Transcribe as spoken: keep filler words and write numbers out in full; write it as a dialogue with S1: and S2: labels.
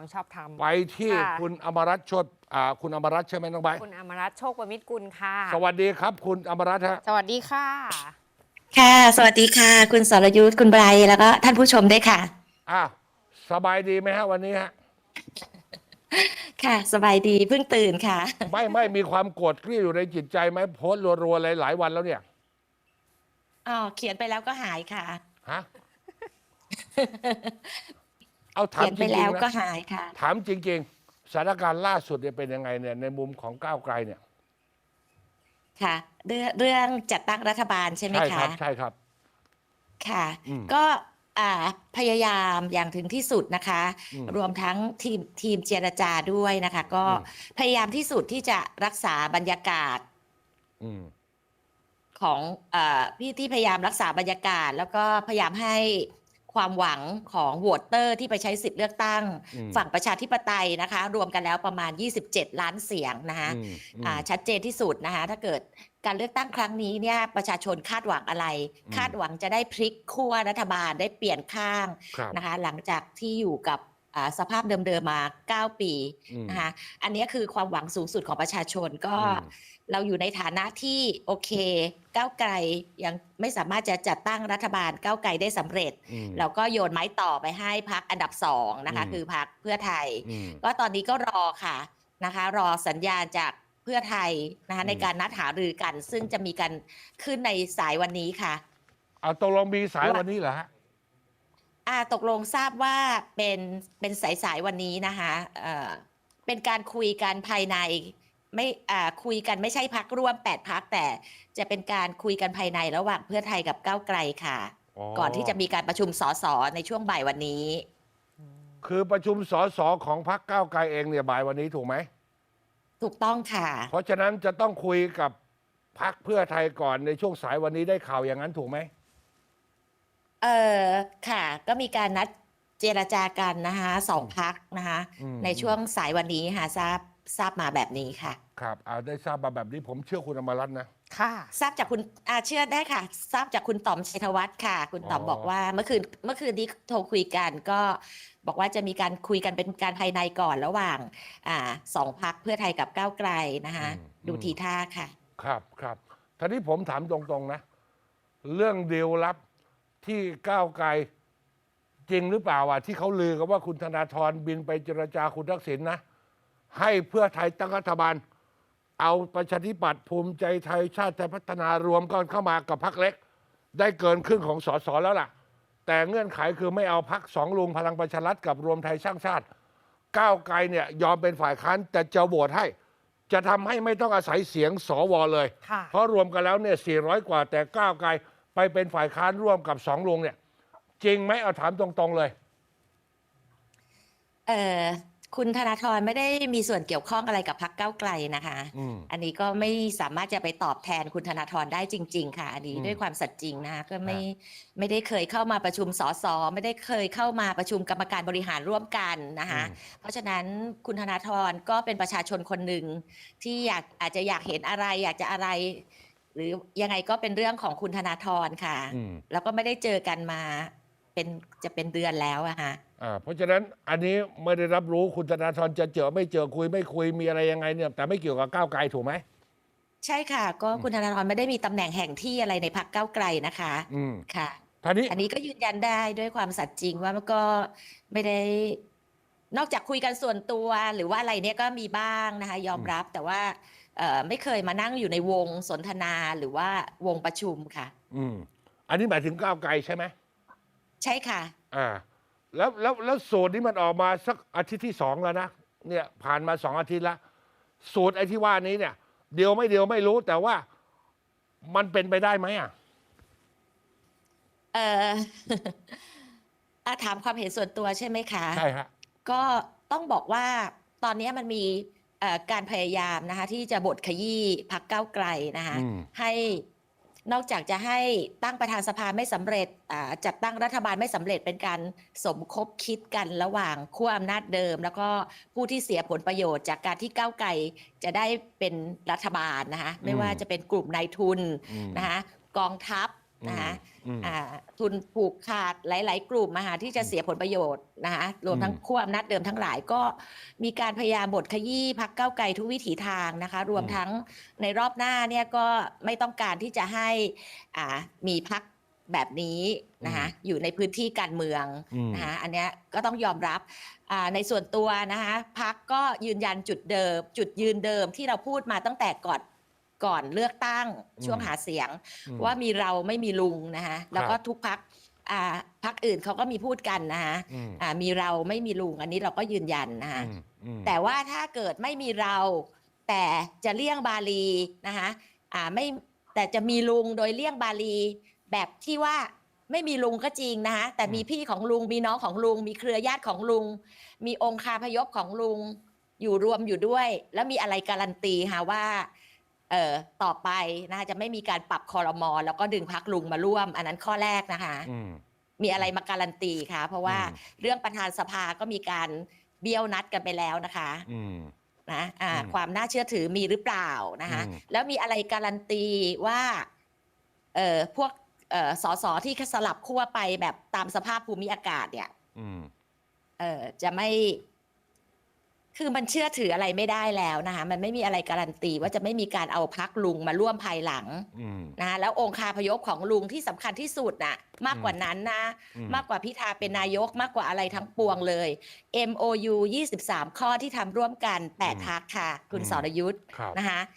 S1: ความชอบธรรม
S2: ไปที่คุณอมรัตน์โชติอ่าคุณอมรัตน์ใช่ไหมน้องใบ
S1: คุณอมรัตน์โชคประมิตรกุลค่ะ
S2: สวัสดีครับคุณอมรัตน์ฮะ
S1: สวัสดีค่ะ
S3: ค่ะสวัสดีค่ะคุณสรยุทธคุณไบรท์แล้วก็ท่านผู้ชมด้วยค่ะ
S2: อ่ะสบายดีไหมฮะวันนี้ฮะ
S3: ค่ะสบายดีเพิ่งตื่นค่ะ
S2: ไม่ไม่มีความโกรธเกรี้ยวอยู่ในจิตใจไหมโพสต์รัวๆหลายๆวันแล้วเนี่ย
S3: อ๋อเขียนไปแล้วก็หายค่ะ
S2: ฮะเอาถา
S3: เขี
S2: ม
S3: ยน
S2: จ
S3: ไป
S2: ริ
S3: แล้ว
S2: งๆนะ
S3: ก็หายค่ะ
S2: ถามจริงๆสถานการณ์ล่าสุดเนี่ยเป็นยังไงเนี่ยในมุมของก้าวไกลเนี่ย
S3: ค่ะเรื่องเรื่องจัดตั้งรัฐบาลใช่ไหม
S2: ใช่ค
S3: คะ
S2: รับใช่ครับ
S3: ค่ะ
S2: อืม
S3: ก็อ่าพยายามอย่างถึงที่สุดนะคะ
S2: อืม
S3: รวมทั้งทีมทีมเจรจาด้วยนะคะ ก็
S2: อืม
S3: พยายามที่สุดที่จะรักษาบรรยากาศ
S2: อืม
S3: ของเอ่อพี่ที่พยายามรักษาบรรยากาศ แล้วก็พยายามให้ความหวังของโหวตเตอร์ที่ไปใช้สิทธิ์เลือกตั้ง
S2: อืม
S3: ฝั่งประชาธิปไตยนะคะ รวมกันแล้วประมาณยี่สิบเจ็ดล้านเสียงนะคะ
S2: อืมอืม
S3: อ่าชัดเจนที่สุดนะคะถ้าเกิดการเลือกตั้งครั้งนี้เนี่ยประชาชนคาดหวังอะไร
S2: อืม
S3: คาดหวังจะได้พลิกขั้วรัฐบาลได้เปลี่ยนข้าง
S2: ครับ
S3: นะคะหลังจากที่อยู่กับอ่าสภาพเดิมๆมาเก้าปี
S2: อืม
S3: นะคะอันนี้คือความหวังสูงสุดของประชาชนก็
S2: อืม
S3: เราอยู่ในฐานะที่โอเคก้าวไกลยังไม่สามารถจะจัดตั้งรัฐบาลก้าวไกลได้สำเร็จ
S2: อืม
S3: เราก็โยนไม้ต่อไปให้พรรคอันดับสองนะคะ
S2: อืม
S3: คือพรรคเพื่อไทย
S2: อืม
S3: ก็ตอนนี้ก็รอค่ะนะคะ รอสัญญาณจากเพื่อไทยนะคะ
S2: อืม
S3: ในการนัดหารือกัน ซึ่งจะมีการขึ้นในสายวันนี้ค่ะ
S2: เอาตกลงมีสายวันนี้เหรอฮะ
S3: อ่าตกลงทราบว่าเป็นเป็นสายสายวันนี้นะคะเอ่อเป็นการคุยกันภายในไม่อ่าคุยกันไม่ใช่พักร่วมแปดพักแต่จะเป็นการคุยกันภายในระหว่างเพื่อไทยกับก้าวไกลค่ะ
S2: อ๋อ
S3: ก่อนที่จะมีการประชุมสสในช่วงบ่ายวันนี้
S2: คือประชุมสสของพรรคก้าวไกลเองเนี่ยบ่ายวันนี้ถูกไหม
S3: ถูกต้องค่ะ
S2: เพราะฉะนั้นจะต้องคุยกับพรรคเพื่อไทยก่อนในช่วงสายวันนี้ได้ข่าวอย่างนั้นถูกไหม
S3: เออค่ะ ก็มีการนัดเจรจากันนะคะสองพักนะคะ
S2: อืม
S3: ในช่วงสายวันนี้ค่ะทราบทราบมาแบบนี้ค่ะ
S2: ครับเอาได้ทราบมาแบบนี้ผมเชื่อคุณอมรัตน์นะ
S1: ค่ะ
S3: ทราบจากคุณอาเชื่อได้ค่ะ ทราบจากคุณต๋อมชัยธวัฒน์ค่ะ คุณต๋อม
S2: อ๋อ
S3: บอกว่าเมื่อคืนเมื่อคืนนี้โทรคุยกันก็บอกว่าจะมีการคุยกันเป็นการภายในก่อนระหว่างอ่าสองพักเพื่อไทยกับก้าวไกลนะคะดูทีท่าค่ะ
S2: ครับครับทีนี้ผมถามตรงๆนะ เรื่องดีลลับที่ก้าวไกลจริงหรือเปล่าอ่ะที่เขาลือกันว่าคุณธนาธรบินไปเจรจาคุณทักษิณนะ ให้เพื่อไทยตั้งรัฐบาล เอาประชาธิปัตย์ภูมิใจไทยชาติไทยพัฒนารวมกันเข้ามากับพรรคเล็ก ได้เกินครึ่งของสสแล้วล่ะ แต่เงื่อนไขคือไม่เอาพรรคสองลุงพลังประชารัฐกับรวมไทยสร้างชาติ ก้าวไกลเนี่ยยอมเป็นฝ่ายค้านแต่จะโหวตให้ จะทำให้ไม่ต้องอาศัยเสียงสวเลย
S1: ค่ะ
S2: เพราะรวมกันแล้วเนี่ยสี่ร้อยกว่า แต่ก้าวไกลไปเป็นฝ่ายค้านร่วมกับสองลุงเนี่ย จริงไหมเอาถามตรงๆเลย
S3: เอ่อคุณธนาธรไม่ได้มีส่วนเกี่ยวข้องอะไรกับพรรคก้าวไกลนะคะ
S2: อืม
S3: อันนี้ก็ไม่สามารถจะไปตอบแทนคุณธนาธรได้จริง ๆ ค่ะ อันนี้
S2: อืม
S3: ด้วยความสัตย์จริงนะคะก็ไม่
S2: ฮะ
S3: ไม่ได้เคยเข้ามาประชุมสสไม่ได้เคยเข้ามาประชุมกรรมการบริหารร่วมกันนะคะ
S2: อืม
S3: เพราะฉะนั้นคุณธนาธรก็เป็นประชาชนคนหนึ่งที่อยากอาจจะอยากเห็นอะไร อยากจะอะไร หรือยังไงก็เป็นเรื่องของคุณธนาธรค่ะ
S2: อืม
S3: แล้วก็ไม่ได้เจอกันมาเป็นจะเป็นเดือนแล้วอะค่ะ
S2: อ่าเพราะฉะนั้นอันนี้ไม่ได้รับรู้คุณธนาธรจะเจอไม่เจอคุยไม่คุยมีอะไรยังไงเนี่ยแต่ไม่เกี่ยวกับก้าวไกลถูกไหม
S3: ใช่ค่ะ ก็คุณธนาธรไม่ได้มีตำแหน่งแห่งที่อะไรในพรรคก้าวไกลนะคะ
S2: อืม
S3: ค่ะ
S2: ท่านี้
S3: อันนี้ก็ยืนยันได้ด้วยความสัตย์จริงว่ามันก็ไม่ได้นอกจากคุยกันส่วนตัวหรือว่าอะไรเนี่ยก็มีบ้างนะคะ ยอมรับแต่ว่าเอ่อไม่เคยมานั่งอยู่ในวงสนทนาหรือว่าวงประชุมค่ะ
S2: อืมอันนี้หมายถึงก้าวไกลใช่ไหม
S3: ใช่ค่ะ
S2: อ่าแล้วแล้วแล้วสูตรนี้มันออกมาสักอาทิตย์ที่สองแล้วนะเนี่ยผ่านมาสองอาทิตย์แล้วสูตรไอ้ที่ว่านี้เนี่ย เดียวไม่เดียวไม่รู้แต่ว่ามันเป็นไปได้ไหมอ่ะ
S3: เอ่อ อ่ะถามความเห็นส่วนตัวใช่ไหมคะ
S2: ใช่ฮะ
S3: ก็ต้องบอกว่าตอนนี้มันมีเอ่อการพยายามนะคะที่จะบดขยี้พรรคก้าวไกลนะคะ
S2: อืม
S3: ให้นอกจากจะให้ตั้งประธานสภาไม่สำเร็จอ่าจัดตั้งรัฐบาลไม่สำเร็จเป็นการสมคบคิดกันระหว่างขั้วอำนาจเดิม แล้วก็ผู้ที่เสียผลประโยชน์จากการที่ก้าวไกลจะได้เป็นรัฐบาลนะคะไม่ว่าจะเป็นกลุ่มนายทุน
S2: อืม
S3: นะคะกองทัพนะคะ
S2: อืม
S3: อ่าทุนผูกขาดหลาย ๆ กลุ่มมาหาที่จะเสียผลประโยชน์นะคะรวมทั้ง
S2: อืม
S3: ขั้วอำนาจเดิมทั้งหลายก็มีการพยายามบดขยี้พรรคก้าวไกลทุกวิถีทางนะคะรวม
S2: อืม
S3: ทั้งในรอบหน้าเนี่ยก็ไม่ต้องการที่จะให้อ่ามีพรรคแบบนี้นะคะอยู่ในพื้นที่การเมือง
S2: อืม
S3: นะคะอันเนี้ยก็ต้องยอมรับอ่าในส่วนตัวนะคะพรรคก็ยืนยันจุดเดิม จุดยืนเดิมที่เราพูดมาตั้งแต่ก่อนก่อนเลือกตั้งช่วงหาเสียง
S2: อืม
S3: ว่ามีเราไม่มีลุงนะคะแล้วก็
S2: ครับ
S3: ทุกพักอ่าพักอื่นเขาก็มีพูดกันนะคะ
S2: อืม
S3: อ่ามีเราไม่มีลุงอันนี้เราก็ยืนยันนะคะ
S2: อืมอืม
S3: แต่ว่าถ้าเกิดไม่มีเราแต่จะเลี่ยงบาลีนะคะอ่าไม่แต่จะมีลุงโดยเลี่ยงบาลีแบบที่ว่าไม่มีลุงก็จริงนะคะแต่มีพี่ของลุงมีน้องของลุง มีเครือญาติของลุง มีองค์คาพยพของลุงอยู่รวมอยู่ด้วย แล้วมีอะไรการันตีค่ะว่าเอ่อต่อไปนะคะจะไม่มีการปรับคอรมอแล้วก็ดึงพักลุงมาร่วม อันนั้นข้อแรกนะคะ
S2: อืม
S3: มีอะไรมาการันตีคะเพราะว่า
S2: อืม
S3: เรื่องประธานสภาก็มีการเบี้ยวนัดกันไปแล้วนะคะ
S2: อืม
S3: นะอ่า
S2: อืม
S3: ความน่าเชื่อถือมีหรือเปล่านะคะ
S2: อืม
S3: แล้วมีอะไรการันตีว่าเอ่อพวกเอ่อสสที่สลับขั้วไปแบบตามสภาพภูมิอากาศเนี่ย
S2: อืม
S3: เอ่อจะไม่ คือมันเชื่อถืออะไรไม่ได้แล้วนะคะมันไม่มีอะไรการันตีว่าจะไม่มีการเอาพักลุงมาร่วมภายหลัง
S2: อืม
S3: นะคะแล้วองค์คาพยพของลุงที่สำคัญที่สุดน่ะมากกว่านั้นนะ
S2: อืม
S3: มากกว่าพิธาเป็นนายกมากกว่าอะไรทั้งปวงเลย เอ็ม โอ ยู ยี่สิบสาม ข้อที่ทำร่วมกันแปด
S2: อืม
S3: พักค่ะ คุณ
S2: อืม
S3: สรยุทธ์
S2: ครับ
S3: นะคะ